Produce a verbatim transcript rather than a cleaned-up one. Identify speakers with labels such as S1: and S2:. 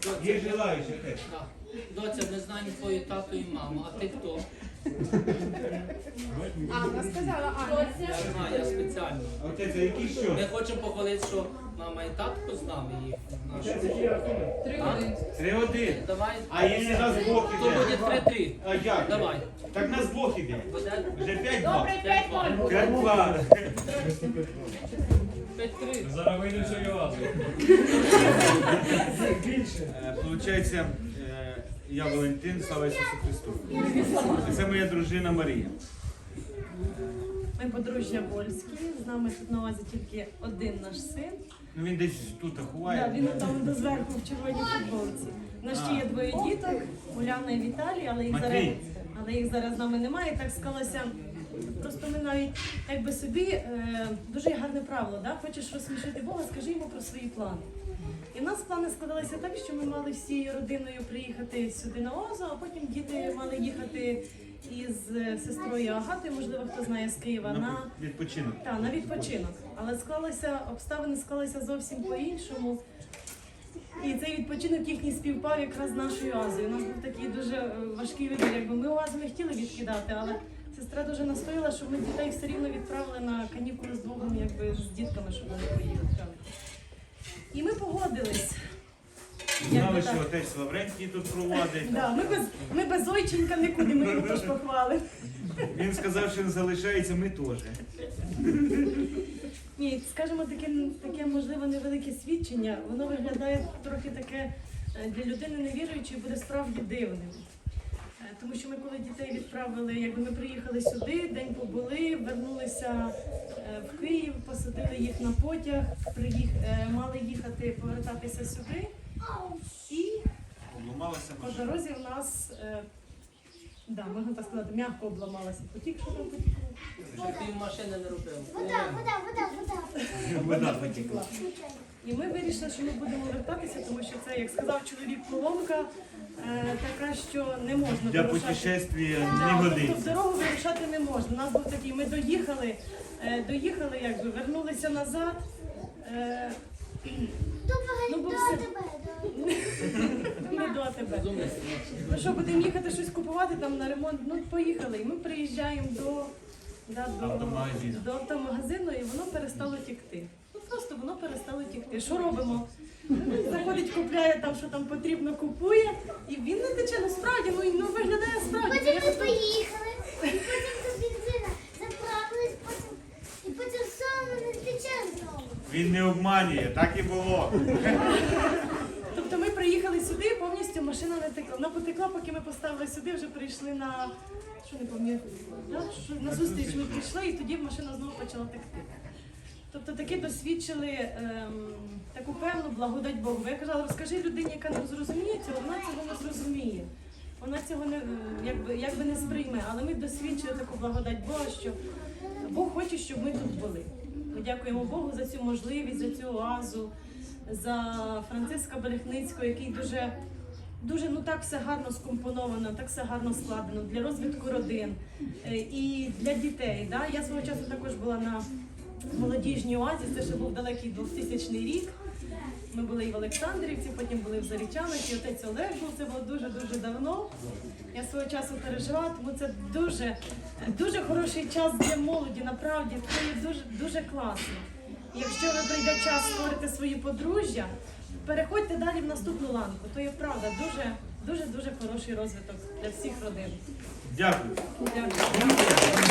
S1: Є желаючі теж.
S2: Так. Доця, не знаю твою тату і маму, а ти хто?
S3: Анна сказала, Аня.
S2: Я знаю, я спеціально.
S1: Отець, а які що?
S2: Ми хочемо похвалити, що мама і татко з нами їх.
S3: Три
S2: А?
S3: години.
S1: Три один.
S2: Давай.
S1: А якщо нас Бог
S2: То
S1: іде?
S2: буде три-три.
S1: А як?
S2: Давай.
S1: Так нас Бог іде.
S2: Буде
S1: Вже п'ять-два.
S3: Добре, п'ять ноль.
S1: п'ять-два.
S2: п'ять-три.
S4: Зараз вийде все Йоазу.
S1: Е, Получається, е, я Валентин, слава Ісусу Христу. Це моя дружина Марія.
S5: Ми подружжя польські, з нами тут на увазі тільки один наш син.
S1: Ну він десь тут
S5: Да,
S1: ховає.
S5: він там до зверху в червоній футболці. У нас ще є двоє діток, Уляна і Віталій, але їх зараз,
S1: Матвій.
S5: але їх зараз з нами немає. Так склалося. Просто ми навіть якби собі е, дуже гарне правило, да? Хочеш розсмішити Бога, скажи йому про свої плани. І в нас плани складалися так, що ми мали всією родиною приїхати сюди на Озу, а потім діти мали їхати із е, сестрою Агатою, можливо, хто знає, з Києва, на,
S1: На відпочинок.
S5: та, на відпочинок. Але склалися, обставини склалися зовсім по-іншому. І цей відпочинок їхній співпав якраз з нашою Азою. У нас був такий дуже е, важкий вибір. Якби ми Азу не хотіли відкидати, але сестра дуже настояла, щоб ми дітей все рівно відправили на канікули з Богом, якби з дітками, щоб вони поїхали. І ми погодились.
S1: Знали,
S5: Якби
S1: що
S5: так.
S1: отець Лаврентій тут проводить.
S5: Да, ми, без, ми без ойченка нікуди, ми його теж похвалимо.
S1: Він сказав, що він залишається, ми теж.
S5: Ні, скажімо, таке, таке можливо невелике свідчення, воно виглядає трохи таке е, для людини невіруючої буде справді дивним. Е, Тому що ми коли дітей відправили, якби ми приїхали сюди, день побули, вернулися е, в Київ, посадили їх на потяг, приїх, е, мали їхати, повертатися сюди. І
S1: Обламалася
S5: по
S1: машина.
S5: дорозі в нас, е, да, можна так сказати, м'яко обламалася потік, що там потікло.
S2: Щоб пів машини не робив.
S6: Вода, вода, вода, вода.
S1: Вода потекла.
S5: І ми вирішили, що ми будемо вертатися, тому що це, як сказав чоловік, поломка е, така, що не можна
S1: Для
S5: вирушати.
S1: путешествия не
S5: Да, тобто в
S1: годиться.
S5: дорогу вирушати не можна. У нас був такий, ми доїхали, е, доїхали, якби вернулися назад. Е,
S6: Ну,
S5: бо
S6: до
S5: все-
S6: тебе, до
S5: не до АТБ.
S2: Розумний.
S5: Ну що, будемо їхати щось купувати там на ремонт? Ну, поїхали. І ми приїжджаємо до, да, до,
S1: Автомагазину.
S5: до автомагазину, і воно перестало тікти. Ну просто воно перестало тікти. Що робимо? Заходить, купляє там, що там потрібно, купує, і він не тече. Ну справді, ну, і, ну виглядає справді.
S6: Потім
S5: Я
S6: ми
S5: тут-
S6: поїхали, і потім до бензина заправились, потім, і потім все, не тече знову.
S1: Він не обманює, так і було.
S5: Тобто ми приїхали сюди, повністю машина не текла. Вона потекла, поки ми поставили сюди, вже прийшли на що не пам'ятаю, да? Що на зустріч ми прийшли, і тоді машина знову почала текти. Тобто таки досвідчили ем, таку певну благодать Богу. Я казала, розкажи людині, яка не зрозуміє цього, вона цього не зрозуміє. Вона цього не, якби, якби не сприйме. Але ми досвідчили таку благодать Бога, що Бог хоче, щоб ми тут були. Ми дякуємо Богу за цю можливість, за цю оазу, за Франциска Берехницького, який дуже, дуже ну так все гарно скомпоновано, так все гарно складено для розвитку родин е, і для дітей. Да? Я свого часу також була на молодіжній оазі, це ще був далекий двохтисячний рік. Ми були і в Олександрівці, потім були в Зарічанах, і отець Олег був, це було дуже-дуже давно. Я свого часу пережила, тому це дуже, дуже хороший час для молоді, направді, це є дуже, дуже класно. І якщо ви прийде час створити свої подружжя, переходьте далі в наступну ланку, то є правда, дуже, дуже, дуже хороший розвиток для всіх родин.
S1: Дякую.
S5: Дякую.